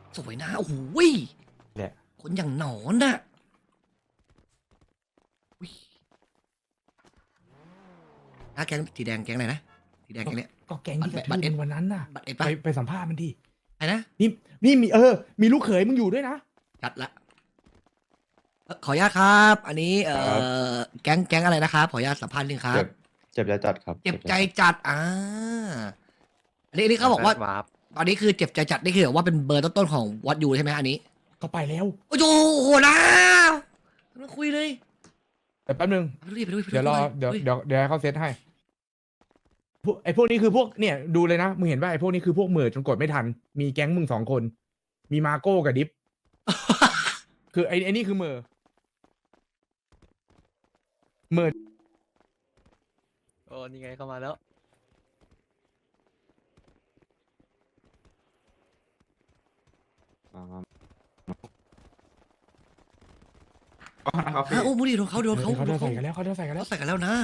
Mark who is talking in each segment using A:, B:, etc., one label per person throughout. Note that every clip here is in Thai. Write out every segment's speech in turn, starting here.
A: สวยนะโอ้โหย
B: แหละ
A: คนอย่างหนอนน่ะอุ๊ยแก๊งสีแดงแก๊งไหนนะสีแดงแก๊งเนี้ย
B: ก็แก๊งที่กระ
A: บั
B: ทื
A: ตร
B: บ
A: เอส
B: มึงวันนั้นน่ะ
A: บัตรเอ็ด
B: ไป
A: ปะ
B: ไปสัมภาษณ์มันดิ
A: ไอ้นะ
B: นี่มีมีลูกเขยมึงอยู่ด้วยนะ
A: จัดละขออนุญาตครับ อันนี้
C: ครับ
A: แก๊งอะไรนะครับขออนุญาตสัมภาษณ์นิดนึงครับ
C: เจ็บใจจัดครับ
A: เจ็บใจจัดอันนี้เขาบอกว่า
D: วาร์ป
A: ตอนนี้คือเจ็บใจจัดนี่คือแบบว่าเป็นเบอร์ต้นๆของวัดยูใช่ไหมอันนี้
B: ก็ไปแล้ว
A: โอ้โหนะมาคุยเลย
B: แต่แป๊บนึง
A: ไปด้วยไปด้วยไป
B: เดี๋ยวรอ
A: ไป
B: เดี๋ยว
A: ฮ้
B: เดี๋ยวให้เขาเซตให้ไอ้พวกนี้คือพวกเนี่ยดูเลยนะมึงเห็นป่ะไอ้พวกนี้คือพวกเหม่อจนกดไม่ทัน มีแก๊งมึง2 คน มีมาโก้กับดิฟ คือไอ้นี่คือเหม่อ
D: โอ้นี่ไงเข้ามาแล้ว
C: ครับพี่
A: โอ้มูดิโดนเขา
B: เขาเดินใส่กันแล้วเขาเดินใส่กันแล้ว
A: ใส่กันแล้วนะ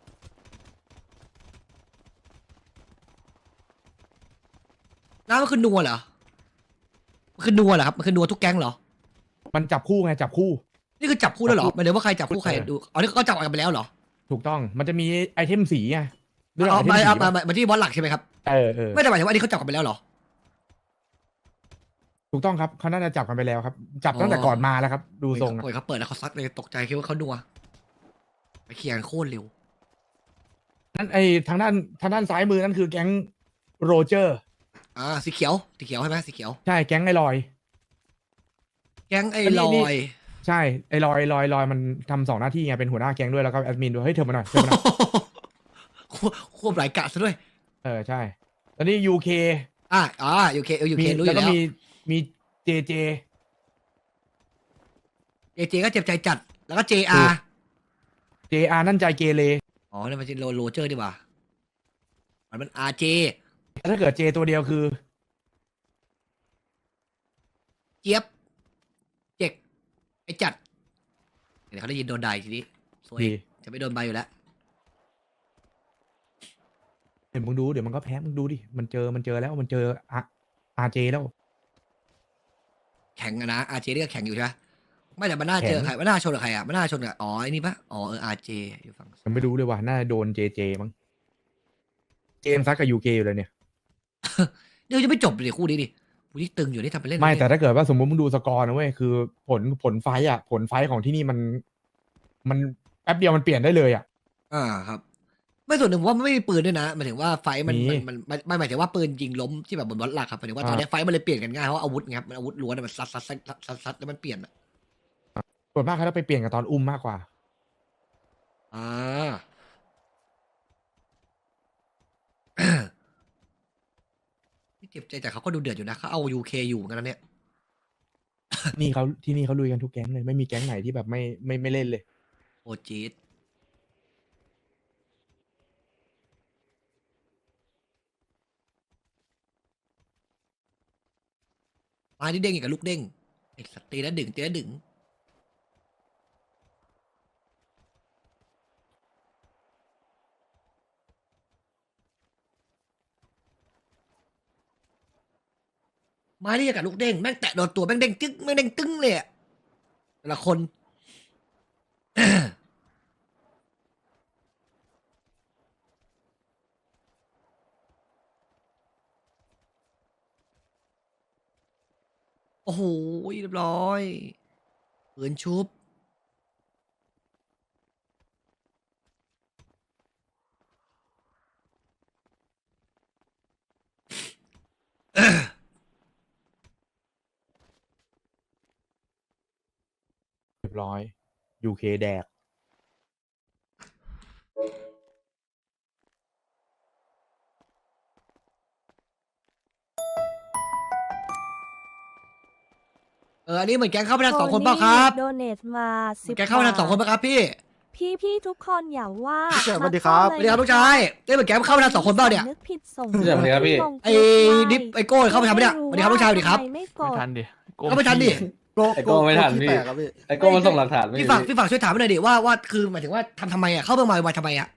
A: น้ามันคือนัวเหรอมันคือนัวเหรอครับมันคือนัวทุกแก๊งเหรอ
B: มันจับคู่ไงจับคู่
A: นี่คือจับคู่แล้วเหรอหมายถึงว่าใครจับคู่ใคร
B: เออ
A: ดูอ๋อนี่ก็จับกันไปแล้วเหรอ
B: ถูกต้องมันจะมีไอเทมสีไงเรื่อง
A: เอา
B: ไอเทม
A: มา
B: สี
A: เอา
B: ปะ
A: มาที่บอสหลักใช่ไหมครับ
B: เออ
A: ไม่แต่หมายถึงว่าอันนี้เขาจับกันไปแล้วเหรอ
B: ถูกต้องครับเขาน่าจะจับกันไปแล้วครับ จับตั้งแต่ก่อนมาแล้วครับ ดูทรงอะ
A: โอ้ยเขาเปิดแล้วเขาซัดเลยตกใจคิดว่าเขานัวไปเคลียร์กันโคตรเร็ว
B: นั่นไอทางด้านซ้ายมือนั่นคือแก๊งโรเจอร์
A: สีเขียวใช่ไหมสีเขียว
B: ใช่แก๊งไอลอย
A: แก๊งไอ้
B: อันนี้
A: ล
B: นี่
A: อย
B: ใช่ไอลอยมันทำ2 หน้าที่ไงเป็นหัวหน้าแก๊งด้วยแล้วก็แอดมินด้วยเฮ้ยเธอมาหน่อยเธอมาหน่อย
A: ควบหลายกะซะด้วย
B: ใช่แล้วนี่ยูเค
A: ยูเครู้อ
B: แล้ว
A: ยู่
B: ก็
A: แล้ว
B: มีเจ
A: เจเจก็เจ็บใจจัดแล้วก็ JR
B: นั่นใจเกเร
A: อ๋อนี่นมันเป็นโรเจอร์ดีกว่ามัน RJ
B: ถ้าเกิดเจตัวเดียวคือ
A: เจี๊ยบเจ็กไอ้จัดเดี๋ยวเขาได้ยินโดนด่าอีกทีนี้สวย
B: ดี
A: จะไม่โดนใบอยู่แล้ว
B: เดี๋ยวมึงดูเดี๋ยวมันก็แพ้มึงดูดิมันเจอแล้วมันเจออาเจแล้ว
A: แข่งอะนะ RJ นี่ก็แข่งอยู่ใช่ไหมไม่แต่มันน่าเจอ
B: แข่ง
A: ใครมันน่าชนกับใครอ่ะมันน่าชนกับอ๋อไอ้นี่ปะอ๋อRJ อยู่ฝั่ง
B: ยังไม่รู้เลยว่าน่าจะโดนเจมั้งเจมส์ซัดกับยูเคอยู่เลยเนี่ย
A: เดี๋ยวจะไม่จบเลยคู่นี้ดิคู่นี้ตึงอยู่นี่ทำไปเล่น
B: ไม่
A: ปเล่น
B: แต่ถ้าเกิดว่าสมมติมึงดูสกอร์นะเว้ยคือผลไฟต์อ่ะผลไฟต์ของที่นี่มันแป๊บเดียวมันเปลี่ยนได้เลยอ่ะ
A: ครับไม่ส่วนหนึ่งผมว่ามันไม่มีปืนด้วยนะหมายถึงว่าไฟท์มัน
B: มี
A: ไม่หมายถึงว่าปืนยิงล้มที่แบบบนบอลหลักครับหมายถึงว่าตอนนี้ไฟท์มันเลยเปลี่ยนกันง่ายเพราะว่าอาวุธไงครับมันอาวุธล้วนอะมันซัดแล้วมันเปลี่ยนอะ
B: ส่วนมากเขาจะไปเปลี่ยนกับตอนอุ้มมากกว่า
A: อ่า ที่เจ็บใจแต่เขาก็ดูเดือดอยู่นะเขาเอา UK อยู่เหมือนกันนะเนี่ย
B: นี่เขาที่นี่เขาลุยกันทุกแก๊งเลยไม่มีแก๊งไหนที่แบบไม่เล่นเลย
A: โอจีดมาที่เด้งอีกกับลูกเด้งไอ้สัตว์ตีแล้วดึงตีแล้วดึง ไม้ที่จะกับลูกเด้งแม่งแตะโดนตัวแม่งเด้งจึ๊กแม่งเด้งตึ้งเลยอะแต่ละคน โอ้โหเรียบร้อยปืนชุบ
B: เรียบร้อยยูเคแดก
A: อันนี้เหมือนแก๊งเข้าไปทัน2 คนเปล่าครับ
E: โดเนทมา
A: เหมือนแก๊งเข้าไปทัน2 คนเปล่าครับพี่
E: พี่ทุกคนอย่าว่า
D: พี่เฉินสวัสดีครับ
A: สวัสดีครับลูกชายได้เหมือนแก๊งเข้าไปทัน2 คนเปล่าเนี่ย
E: นึกผิดส่ง
D: พี่เฉินสวัสดีครับพี่
A: ไอ้ดิฟไอ้โก้เข้าไปทำปะเนี่ยสวัสดีครับลูกชายสวัสดีครับ
E: ไม่ก
D: ไม่
E: ด
D: ทันดิ
A: เข้าไปทันดิ
D: ไอโก้ไม่ทันพี่ไอโก้มันส่งหลักฐานไม่
A: พี่
D: ดี
A: ฝากช่วยถามหน่อยดิว่าคือหมายถึงว่าทำไมอ่ะเข้าเมืองมาทำไมอ่ะ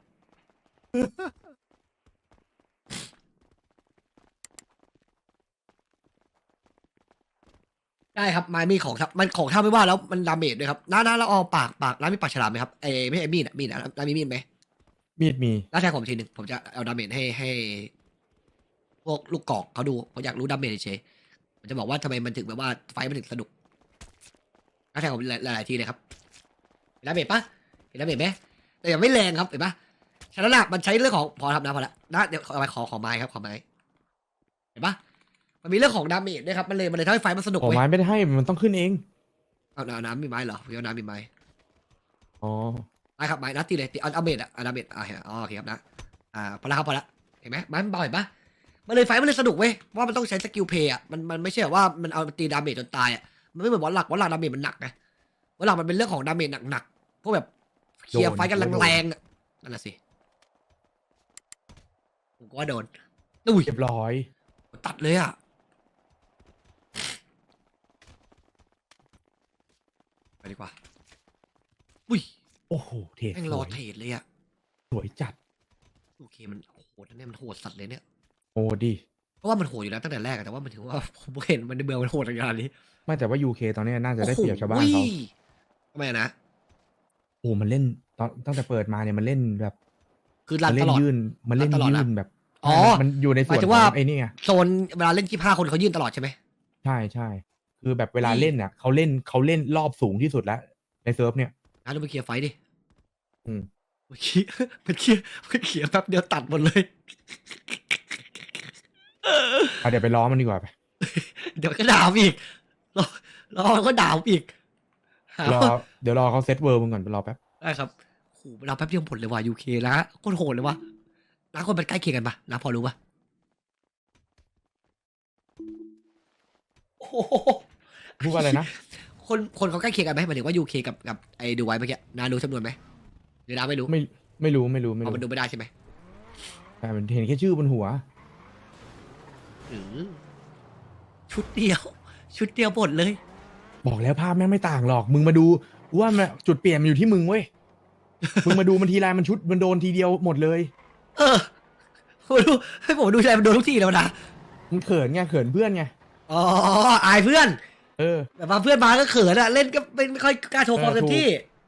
A: ได้ครับไม้มีของครับมันของถ้าไม่ว่าแล้วมันดาเมจด้วยครับน้าเราเอาปากน้ามีปากฉลามไหมครับไม่ใช่มีดน้ามีมีดไหม
B: มีดมี
A: น้าแทงผมทีหนึ่งผมจะเอาดาเมจให้พวกลูกกอกเขาดูผมอยากรู้ดาเมจเฉยๆผมจะบอกว่าทำไมมันถึงแบบว่าไฟมันถึงสนุกน้าแทงผมหลายๆทีเลยครับเห็นดาเมจปะเห็นดาเมจไหมแต่ยังไม่แรงครับเห็นปะฉะนั้นล่ะมันใช้เรื่องของพอครับนะพอละนะเดี๋ยวขอไม้ครับขอไม้เห็นปะมันมีเรื่องของดาเมจด้วยครับมันเลยทำให้ไฟมันสนุก
B: โอ้
A: เว้ย
B: ไม้ไม่ได้ให้มันต้องขึ้นเอง
A: เอาน้ำมีไม้เหรอพี่เอาน้ำมีไม้
B: อ๋อ
A: ได้ครับไม้นัดตีเลยตีเอาเมจอะเอาเมจเห็นอ๋อโอเคครับนะพอละครับพอละเห็นไหมไม้มันเบาเห็นปะมันเลยไฟมันเลยสนุกเว้ยว่ามันต้องใช้สกิลเพย์อะมันไม่ใช่แบบว่ามันเอาตีดาเมจจนตายอะมันไม่เหมือนวอลลักดาเมจมันหนักไงวอลลักมันเป็นเรื่องของดาเมจหนักๆพวกแบบเคลียร์ไฟกันแรงๆอะนั่นแหละสิผมก็ว่าโดนอุ้ย
B: เรียบร้อย
A: ตัดเลยอะไปดีกว่าอุ้ย
B: โอ้โหเทรด
A: แม่ง
B: ส
A: รอ
B: วย
A: เทรดเลยอะ
B: สวยจัด
A: โอเคมันโหดนะเนี่ยมันโหดสัตว์เลยเนี่ย
B: โอ้ดี
A: เพราะว่ามันโหดอยู่แล้วตั้งแต่แรกอะแต่ว่ามันถือว่า ผมเห็นมันในเมืองมันโหดขนาดนี้
B: ไม่แต่ว่า UK ตอนนี้น่าจะได้เปรียบชาวบ้านเขา
A: โอ้โหทำไมอะนะ
B: โอ้มันเล่นตอนตั้งแต่เปิดมาเนี่ยมันเล่นแบบ
A: คือรั
B: มัน น
A: ต
B: เล่น
A: ลอด
B: ยื่นมันเล่น
A: รันตลอด
B: ยื่
A: นะ
B: นแบบ
A: อ๋อ
B: มันอยู่ในส่วน
A: หมายถึ
B: ข
A: งว่า
B: องไอ้นี่ไง
A: โซนเวลาเล่น25คนเขายื่นตลอดใช่ไหม
B: ใช่ใช่คือแบบเวลาเล่นเนี่ยเขาเล่นรอบสูงที่สุดแล้วในเซิร์ฟเนี่ย
A: งั้นเราไปเคลียร์ไฟท์ดิ
B: อืม
A: มันเคลียร์มันเคลียร์แป๊บเดียวตัดหมดเลย
B: เดี๋ยวไปล้อมันดีกว่าไป
A: เดี๋ยวก็ด่าผมอีกรอมันก็ด่าผมอีกหาร
B: อ
A: ว่า
B: เดี๋ยวรอเขาเซตเวิร์มึงก่อนรอแป๊บ
A: ได้ครับโหเราแป๊บเดียวผลเลยว่ะ UK นะโคตรโหดเลยว่ะน้าคนมันใกล้เคียงกันปะน้าพอรู้ปะโอ้โห
B: พูดว่าอะไรนะ
A: คนเขาใกล้เคียงกันไหมหมายถึงว่า UK กับไอ้ดูไว้เมื่อกี้นารู้จำนวนไหมหรือนาไม่รู้
B: ไม่รู้
A: เอามันดูไม่ได้ใช่ไหม
B: แต่มันเห็นแค่ชื่อบนหัว
A: ชุดเดียว ชุดเดียวหมดเลย
B: บอกแล้วภาพแม่งไม่ต่างหรอก มึงมาดูว่ามันจุดเปลี่ยนมันอยู่ที่มึงเว้ย มึงมาดูมันทีไรมันชุดมันโดนทีเดียวหมดเลย
A: เออผมดูให้ผมดูใจมันโดนทุกทีแล้วนะ
B: มันเขินไงเขินเพื่อนไง
A: อ๋ออายเพื่อน
B: เออ
A: แบบว่าเพื่อนมาก็เขินอะเล่นก็ไม่ค่อยกล้าโชว์ความเต็มที่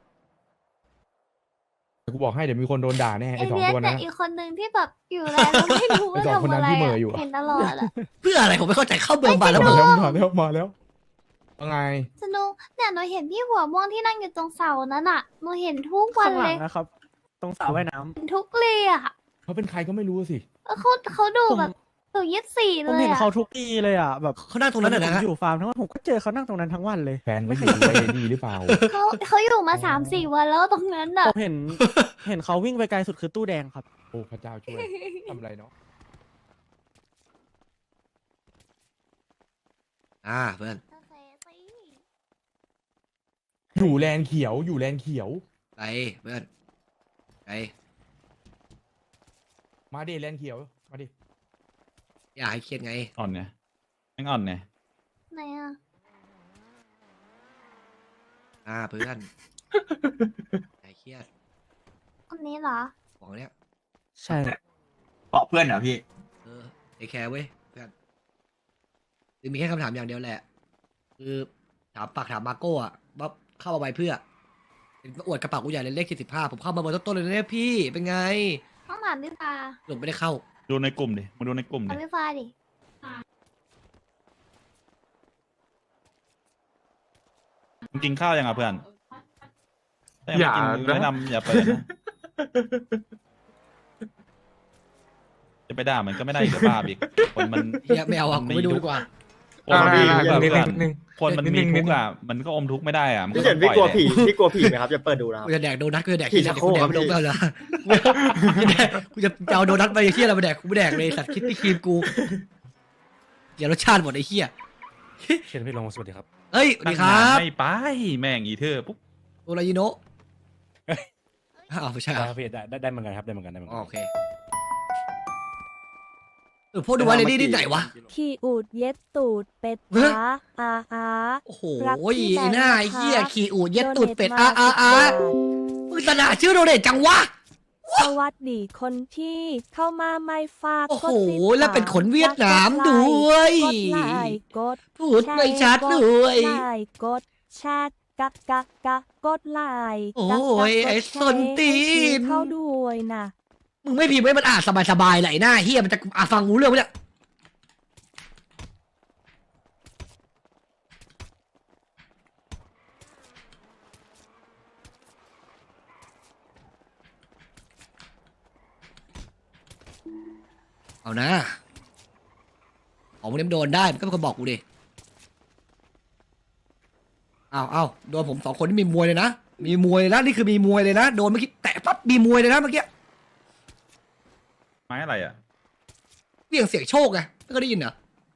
B: แต่กูบอกให้เดี๋ยวมีคนโดนด่าแน่
F: ไอ
B: ไอ้สอง
F: เนี้ย
B: ตัว
F: แต่
B: นั้น
F: อีกคนนึงที่แบบอยู่แล้วเราไม่รู้ว่า
B: ไอ้สองคน
F: ทำ
B: นั้น
F: อะไร
B: ที่เหม่อ
F: อะ
B: อยู่อะ
F: เห็นตลอดอะ
A: เพื่ออะไรผมไม่เข้าใจเข้าเมืองมาแล้ว
B: มา
A: ผม
B: แล้วว่าไง
F: สนุกเนี่ยหนูเห็นพี่หัวม่วงที่นั่งอยู่ตรงเสานั้นอะหนูเห็นทุกวัน
G: ข้างห
F: เล
G: ลั
F: ย
G: งนะครับ ตรงสระว่ายน้ำ
F: เห็นทุกเลยอะ
B: เขาเป็นใครก็ไม่รู้สิ
F: เขาดูแบบดู24
G: ผม
F: เลย
G: เห็น
F: อะ
G: เขาทุกทีเลยอ่ะแบบ
A: เขานั่งตรงนั้น
G: ผ
A: นะ
G: ม
A: นะ
G: อยู่ฟาร์มทั้งวันผมก็เจอเขานั่งตรงนั้นทั้งวันเลย
B: แฟนก็อยู่ไอ้ดีหรือเปล่า
F: เขาอยู่มา3-4 วันแล้วตรงนั้นอะ
G: ผมเห็นเขาวิ่งไปไกลสุดคือตู้แดงครับ
B: โอ้พระเจ้าช่วยทำอะไรเนาะ
A: เพื่อน
F: โอเคสิ
B: อยู่แลนเขียวอยู่แลนเขียว
A: ไปเพื่อนไป
B: มาดิแลนเขียวมาดิ
A: อย่าให้เครียดไง
C: อ่อนไงแม่งอ่อนไง
F: ไหนอะ
A: เพื่อนอย่าให้เครียด
F: คนนี้เหรอ
A: ของเนี้ย
G: ใช่
C: เปาะเพื่อนเหรอพี่
A: เทคแคร์เว้ยเพื่อนคือมีแค่คำถามอย่างเดียวแหละ คือถามมาโก้อะว่าเข้ามาไว้เพื่อเห็นมาอวดกระเป๋ากูใหญ่เลยเลข45ผมเข้ามาเบอร์ต้นๆเลยนะเนี่ยพี่เป็นไง
F: ต้องถามพี่ฟ้า
A: หลุดไม่ได้เข้า
C: ดูในกลุ่มดิมาดูในกลุ่ม
F: ถาม
C: ดิ
F: พี่ฟ้าดิ
C: มึงกินข้าวยังอ่ะเพื่อนถ้ายังไม่กินแนะนำอย่าเปิดนะจะไปด่ามันก็ไม่ได้อีกเดี๋ยวบ้าอีกคนมัน
A: เฮียไม่เอาอ่ะกูไม่ดูดีกว่า
C: คนมันมีทุกข์อะ
H: นิด
C: เพื่อน
H: นึง
C: คนมันมีทุกข์อ่ะมันก็อมทุกข์ไม่ได้อ่ะมันก็
H: พี่
C: ต้
H: เฉิ
C: อน ง
H: พี่
C: ปล่อย
H: กลัวผี
C: แหละ
H: พี่กลัวผีไหมครับจะเปิดดูนะครับ
A: กูจะแดกโดนัทกูจะแดก
H: พี่
A: ที่
H: ชัก
A: กู
H: โครก
A: แดกไม่ลง
H: ครับ
A: แล้วนะกูจะเอาโดนัทไปเฮียอะไรมาแดกกูไม่แดกเลยสัตว์คิดที่ครีมกูเดี๋ยวรสชาติหมดไอ้เฮีย
H: เชิญพี่ลงสวัสดีครับ
A: เฮ้ยสวัสดีครั
C: ตั้งนาน
A: บ
C: ไม่ไปแม่งอีเธอปุ๊บ
A: โอรายิโนะอ้าวไม่ใช่เหรอ
H: พี่ได้เหมือนกันครับได้เหมือนกันได้เหมือน
A: อ๋
H: กั
A: อน โอเคพวกดูไว้เลยนี่ไหนวะ
E: ขี่อูดเย็ดตูดเป็ด
A: เฮ้ย
E: อา
A: โอ้โห
E: รักพี่แบงค์
A: หน้าไอ้เฮีย
E: นะคะ
A: ขี่อูดเย็ดตูดเป็ด
E: โนทมา10 บาท
A: มึงตนาชื่อโดเดตจังวะ
E: สวัสดีคนที่เข้ามาไม่ฝาก
A: โอ้โห
E: กดติดตาม
A: แล้วเป็นคนเวียดนามด้วย
E: กดไลค์กด
A: พูดไม่ชัดด้วย
E: กดไลค์กดแชร์กดไลค์
A: โอ้ย
E: กด
A: ไอ้
E: แชร์
A: ส้นตีน
E: ให้เข้าด้วยนะ
A: มึงไม่พิมพ์ให้มันอ่านสบายๆไหลหน้าเฮียมันจะฟังรู้เรื่องไหมเนี่ยเอานะของมึงเนี่ยมันโดนได้มันก็เป็นคนบอกกูดิเอาโดนผม2 คนที่มีมวยเลยนะมีมวยเลยนะนี่คือมีมวยเลยนะโดนเมื่อกี้แตะปั๊บมีมวยเลยนะเมื่อกี้
C: ไม้อะไรอ่ะ
A: เรียงเสียงโชคไงไม่เคยได้ยินเหรอ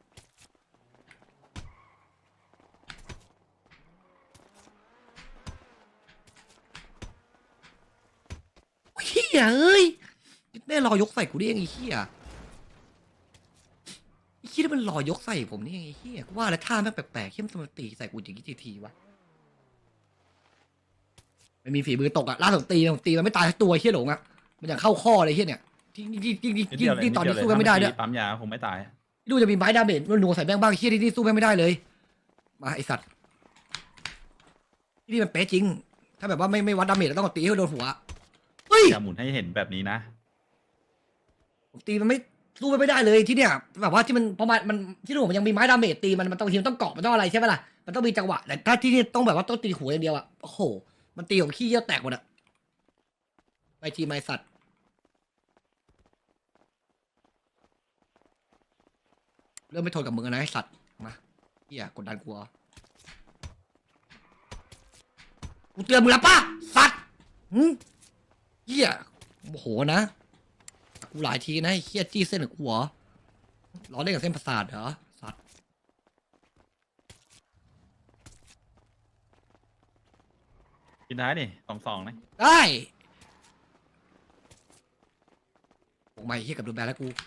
A: โอ้ยเฮียเอ้ยแม่รอยกใส่กูได้ยังไงเฮียไอ้เฮียที่มันรอยกใส่ผมนี่ยังไงเฮียกูว่าแล้วท่าแม่งแปลกๆเข้มสมาตีใส่กูอย่างนี้ทีวะไม่มีฝีมือตกอะล่าสุดตีมันไม่ตายสักตัวเฮียหลงอะมันอย่างเข้าข้อเลยเฮียเนี่ยที่ตอนนี้สู้กันไม่ได้ด้วย
C: ปั๊มยาคงไม่ตาย
A: ดูจะมีไม้ดาเมจนัวๆใส่แม่งบ้างเฮียที่นี่สู้แม่งไม่ได้เลย มาไอสัตว์ที่นี่มันเป๊ะจริง ถ้าแบบว่าไม่วัดดาเมจแล้วต้องตีให้โดนหัวเฮ้ย
C: อย่าหมุนให้เห็นแบบนี้นะ
A: ผมตีมันไม่สู้มันไม่ได้เลยที่เนี่ยแบบว่าที่มันเพราะมันที่นู่นมันยังมีไม้ดาเมจตีมันต้องทีมนต้องเกาะมันต้องอะไรใช่ไหมล่ะมันต้องมีจังหวะแต่ถ้าที่นี่ต้องแบบว่าต้องตีหัวอย่างเดียวอะโอ้โหมันตีของขี้เยี่ยวแตกหมดอะไปทีมไอสัตว์เริ่มไม่ทนกับมึงแล้วนะไอสัตว์มาเฮียกดดันกูเหรอกูเตือนมึงแล้วป่ะสัตว์เฮียโมโหนะกูหลายทีนะไอ้เฮียจี้เส้นกับกูเหรอล้อเล่นกับเส้นประสาทเหรอสัตว์
C: กินท้ายนี่2-2นะ
A: ได้โอ้ไม่เฮียกับโดนแบนแล้วกู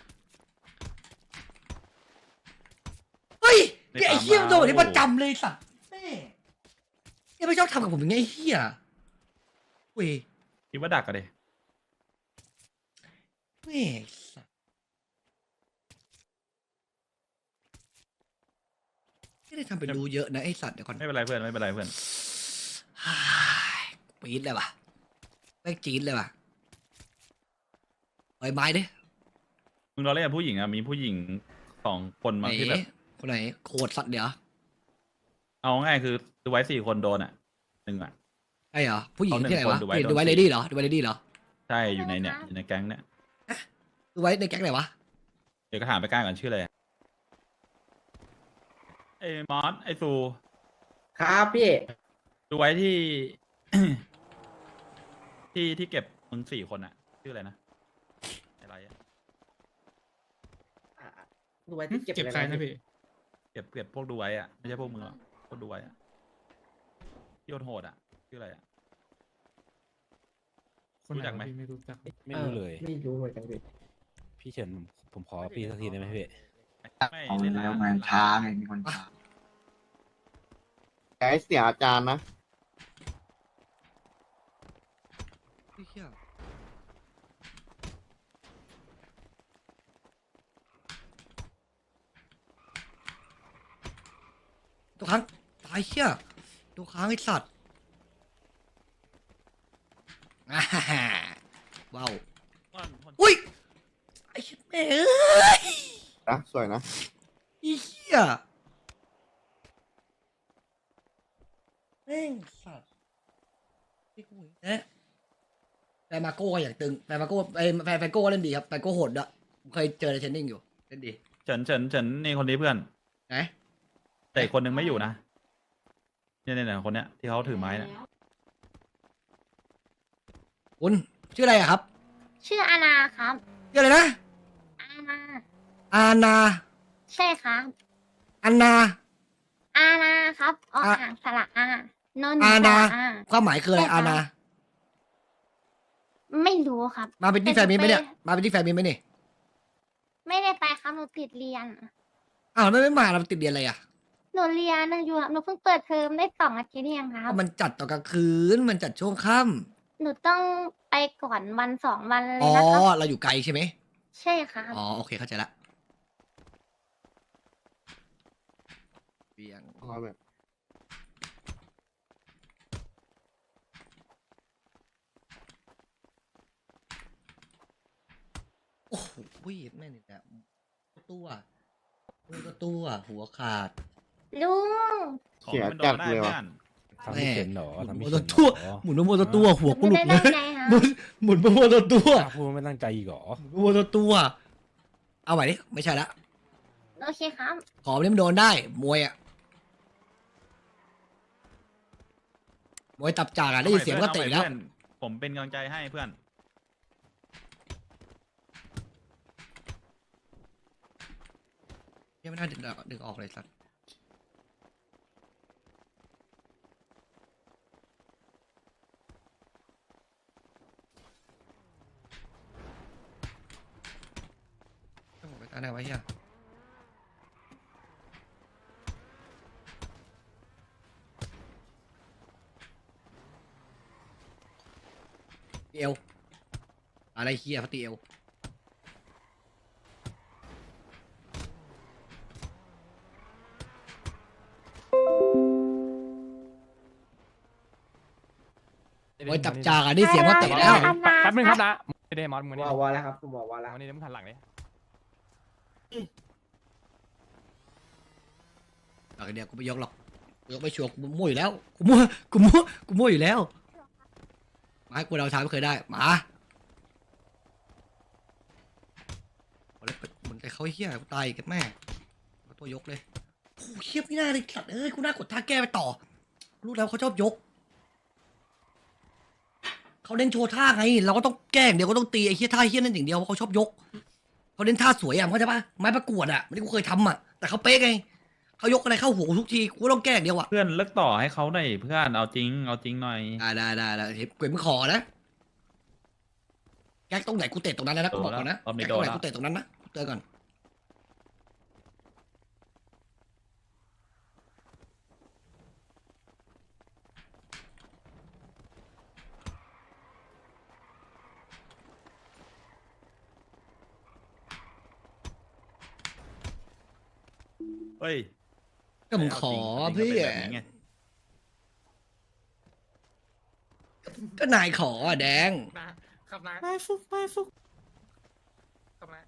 A: เฮ้ยเนี่ยไอ้เฮียมันโดนแบบนี้ประจำเลยสัตว์แม่เฮียไม่ชอบทำกับผมอย่างเงี้ยไอ้เฮียเว้ย
C: คิดว่าดักกันดิ
A: แม่สัตว์ไม่ได้ทำเป็นรู้เยอะนะไอ้สัตว์เดี๋ยวก่อน
C: ไม่เป็นไรเพื่อนไม่เป็นไรเพื่อน
A: ฮ่าปี๊ดเลยว่ะแม่งจี๊ดเลยว่ะปล่อยไม้ดิ
C: มึงเราเล่นกับผู้หญิงอะมีผู้หญิง2 คน
A: ไหน
C: มาที่แบบ
A: คนไหนโคตรสัตว์เดี๋ยว
C: เอาง่ายคือดูไว้4 คนโดนอะ1อะ
A: ไอ้เหรอผู้หญิง
C: เอาหนึ่ง
A: ที่ไหนวะ
C: คนดูไว้
A: ดูไว้
C: โดน
A: เลดี้เหรอดูไว้เลดี้เหรอ
C: ใช่อยู่ในเนี่ยอยู่ในแก๊งเนี่ย
A: ดูไว้ในแก๊งไหนวะ
C: เดี๋ยวก็ถามไปกล้าก่อนชื่ออะไรไอ้มอสไอ้ซู
D: ครับพี่
C: ดูไว้ที่ ที่เก็บมึง4 คนอะชื่ออะไรนะอะไรอะ
D: ดูไว้ที่เก็บใครนะพี่
C: เก็บพวกดูไว้อะไม่ใช่พวกมึงหรอกพวกดูไว้อะที่โหดๆอะชื่ออะไรอะรู้จักไหม
H: ไม่รู้เลย
D: ไม่รู้เหมือนกันพี่
H: พี่เฉินผมขอพี่สักทีได้ไหมพี่
C: ไม่
I: เอา
C: เล่น
I: แล้ว
C: ร้าน
I: มันช้าไงมีคนช้า
D: แต่เสียอาจารย์นะ
A: เหี้ยตัวค้างตายเชี่ยตัวค้างไอ้สัตว์อ่าฮ่าฮ่าว้าวอุ้ยไอ้เหี้ยแม่เอ้ย
D: นะสวยนะ
A: ไอ้เหี้ยแม่งสัตว์ที่กูเห็นนะแฟนมาโก้ก็อย่างตึงแฟนมาโก้ไอ้แฟนโก้ก็เล่นดีครับแฟนโก้โหดด้วยผมเคยเจอในเทรนนิ่งอยู่เล่นดี
C: เฉินนี่คนนี้เพื่อน
A: ไหน
C: แต่อีกคนนึงไม่อยู่นะเนี่ยคนเนี้ยที่เขาถือไม้เนี่ย
A: คุณชื่ออะไรอะครับ
F: ชื่ออาณาครับ
A: ชื่ออะไรนะ
F: อาณา
A: อาณา
F: ใช่ครับ
A: อาณา
F: อาณาครับอ
A: อ่ะ
F: อ่างสระอานนท์
A: อา
F: ส
A: ณา
F: ระอา
A: ความหมายคืออะไร
F: ใช่ครับ
A: อาณา
F: ไม่รู้ครับ
A: มาเป็นที่แฟนมินไหมเนี่ยมาเป็นที่แฟนมินไหมเนี่ย
F: ไม่ได้ไปครับหนูติดเรียน
A: อ้าวแล้วไม่มาเราติดเรียนอะไรอะ
F: หนูเรียนอยู่หนูเพิ่งเปิดเทอมได้2 อาทิตย์เองครับ
A: มันจัดตอนกลางคืนมันจัดช่วงค่
F: หนูต้องไปก่อนวัน2 วันเล
A: อ๋
F: ย
A: อ
F: นะครับ
A: เราอยู่ไกลใช่ไหม
F: ใช่ครับ
A: อ๋อโอเคเข้าใจละเบียง
D: เอาแบบ
A: โอ้โหแม่นี่แหละตัวตัวหัวขาด
F: ลุง
C: ของที่มันโดนได้เพื่อน
H: ทำไม่เป็นเหรอ
A: หมุน
H: ทำไม่
A: โม
H: เป็
A: ตั
H: น
A: ทั่ว
H: เหรอ
A: หมุนโมตัตัวหัวกูหลุ
F: ไม่
A: ด
F: ได้
A: เล
F: ได้
A: ย
F: ไงฮะ
A: หมุนโมตัตัว
H: พูดไม่ตั้งใจอีกเหรอ
A: โมตัตัวเอาใหม่ดิไม่ใช่ละ
F: โอเคครับ
A: ขอนี่มันโดนได้มวยอะมวยตับจากอะได้ยินเสียงก็เตะแล้ว
C: อาใหม่เพื่อนผมเป็นกำลังใจให้เพื่อน
A: ยังไม่น่าดึงออกเลยสัตว์ต้องไปตาไหนไว้เฮียตีเอวอะไรเฮียพัตีเอวมวยตับจากอะได้เสียงว่าเตะแล้ว
F: อันนา
I: แป๊บนึงครับ
F: นะ
I: นะไม่ได้มอสมึง
D: บอกว่าแล้วครับผมบอกว่าแล้ว
I: วันนี้มึงหันหลังเลย
A: หลังจากเนี้ยกูไม่ยกหรอกกูยกไม่ชัวร์กูมั่วอยู่แล้วกูมั่วอยู่แล้วมาให้กูเราทางไม่เคยได้มาเอาเลยมันใจเขาเฮี้ยกูตายกันแม่เอาตัวยกเลยโอ้เฮี้ยไม่น่าเลยสัตว์เอ้ยกูน่ากดท่าแก้ไปต่อรู้แล้วเขาชอบยกเขาเล่นโชว์ท่าไงเราก็ต้องแกล้งเดี๋ยวก็ต้องตีไอ้เฮี้ยท่าเฮี้ยนั่นอย่างเดียวเพราะเขาชอบยกเขาเล่นท่าสวยอ่ะเข้าใจปะไม้ประกวดอ่ะไม่ได้กูเคยทำอ่ะแต่เขาเป๊ะไงเขายกอะไรเข้าหัวกูทุกทีกูก็ต้องแกล้งเดียวอ่ะ
C: เพื่อนเลิกต่อให้เขาหน่อยเพื่อนเอาจริงหน่อย
A: ได้เฮ้ยเกวมขอนะแก๊กตรงไหนกูเตะตรงนั้นเลยนะกูบอกก่อนนะ
C: รอบนี้
A: แก๊กตรงไหน
C: โดนละ
A: กูเตะตรงนั้นนะกูเตือนก่อน
C: เฮ้ย
A: ก็มึงขอ
C: เอาจริ
A: เพื่
C: ง
A: อ
C: ก็เป็นแบบนี้ไง
A: ก็นายขออ่ะแดง
I: ครับนะ
G: ไม่ฟุกไม่ฟุก
I: ครับนะ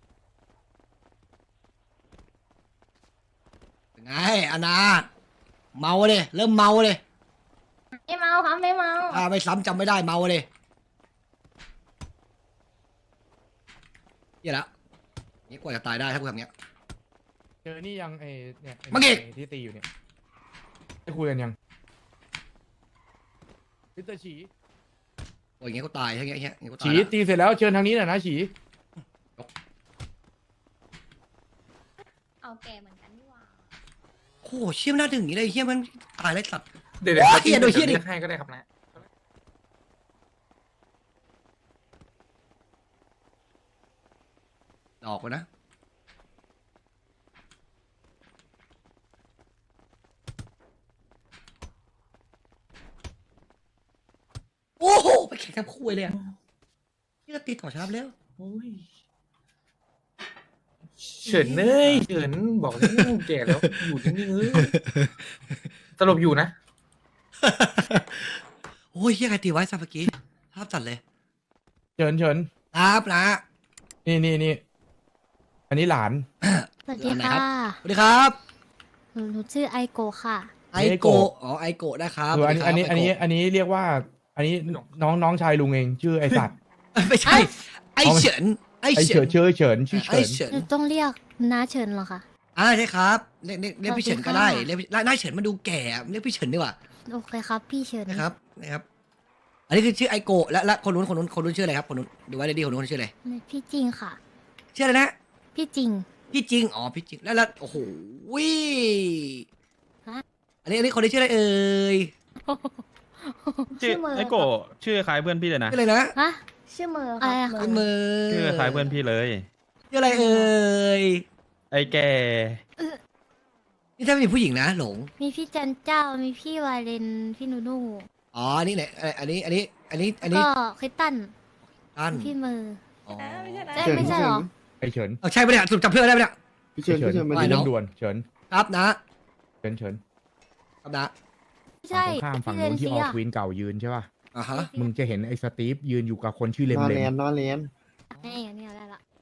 A: ไงอานาเมาเลยเริ่มเมาเลย
F: ไม่เมาครับไม่เมา
A: ถ้าไม่ซ้ำจำไม่ได้เมาเลยเหี้ยละนี่กว่าจะตายได้ถ้ากูทำเงี้ย
B: เจอนี่ยังไอเนี่ยไอ้
A: มังเอก
B: ไอ้ที่ตีอยู่เนี่ยได้คุยกันยังพิสเตอร์ฉี
A: โอ้ยอย่างเงี้ยกูตายถ้าเงี้ยอย่างเงี้ยกูตาย
B: ฉี
A: ละ
B: ตีเสร็จแล้วเชิญทางนี้หน่อยนะฉี
F: เอาแกเหมือนกันนี่หว่า
A: โอ้โหเชี่ยมนน่าถึงอย่างงี้เลยเฮี้ยมันตายเลยสัตว์
I: เดี๋ยว
A: โอ้ยเหี้ยโดนเหี้ยดิ
I: ให้ก็ได้ครับนะ
A: ออกไปนะโอ้โหไปแข่งกับคู่เลยอ่ะนี่ก็ตีต่อชาร์ปแล้ว
I: โอ้ยเฉินเอ้ยเฉินบอกแล้วแก่แล้วอยู่นิ่งๆเอ้ยสรุปอยู่นะ
A: โอ้ยเฮียใครตีไว้ซะเมื่อกี้ภาพจัดเลย
B: เชิญ
A: ครับนะ
B: นี่อันนี้หลาน
F: สวัสดี
A: อันไหนครั
F: ค่ะ
A: บ สวัสดีครับ
F: หนูชื่อไอโกค่ะ
A: ไอโกะอ๋อไอโกะนะครับ
B: คืออัน
A: สวัสดี
B: นี้
A: ครับ
B: อันนี้เรียกว่า อันนี้น้องชายลุงเองชื่อไอสัตว์
A: ไม่ใช่ ไอเฉินไอ
B: ไอ
A: เฉิ
B: เฉิ
A: น
B: นชื่อเฉินชื่อ
A: ไอ
B: เฉิน
A: เฉิน
F: หนูต้องเรียกน้าเฉินเหรอคะ
A: ใช่ครับเรียกพี่เฉินก็ได้
F: สวัสดีค่ะ
A: เรียกนายเฉินมันดูแก่อะเรียกพี่เฉินดีกว่า
F: โอเคครับ พี่เฉิน
A: นะครับอันนี้คือชื่อไอโกะและคนนู้นชื่ออะไรครับคนนู้นดูไว้เลยดีคนนู้นชื่ออะไร
F: พี่จริงค่ะ
A: ชื่ออะไรนะ
F: พี่จริง
A: พี่จริงอ๋อพี่จริงแล้วโอ้โหวิ
F: ฮะ
A: อันนี้คนนี้ชื่ออะไรเอ่ย
C: ชื่อ
F: เมอร์
C: ไอโกะชื่อคล้ายเพื่อนพี่เลยนะ
A: ชื่ออะไรนะ
F: ฮะชื่อเมอร์อะไรคะ
A: ชื่อมือ
C: ชื่อคล้ายเพื่อนพี่เลย
A: ชื่ออะไรเอ่ย
C: ไอแก่
A: นี่ถ้าเป็นผู้หญิงนะหลง
F: มีพี่จันเจ้ามีพี่วาเลนพี่นูนู
A: อ๋ออันนี้ไหนอันนี้อันนี้
F: ก็คริสตัน
A: อัน
F: พี่มือ
A: อ๋อ
F: ไม่ใช่เหรอ
B: ไอเฉิน
A: ใช่ปะเนี่ยสรุปจำเพื่อนได้ปะเนี่ย
D: พี่เชิญพี่เชิญมา
A: ไม่
B: มี
D: ดู
B: เรื่องด่วนเฉิน
A: ครับนะ
B: เฉินเฉิน
A: ครับนะ
F: ไม่ใช่
B: ฝั่งตรงข้ามฝั่งนู้นที่ออทวินเก่ายืนใช่ป่ะ
A: อ่าฮะ
B: มึงจะเห็นไอ้สตีฟยืนอยู่กับคนชื่อเลม
D: นอน
B: เล
D: เรียน
B: ม
D: นอนเรียน
F: นี่ได้ละ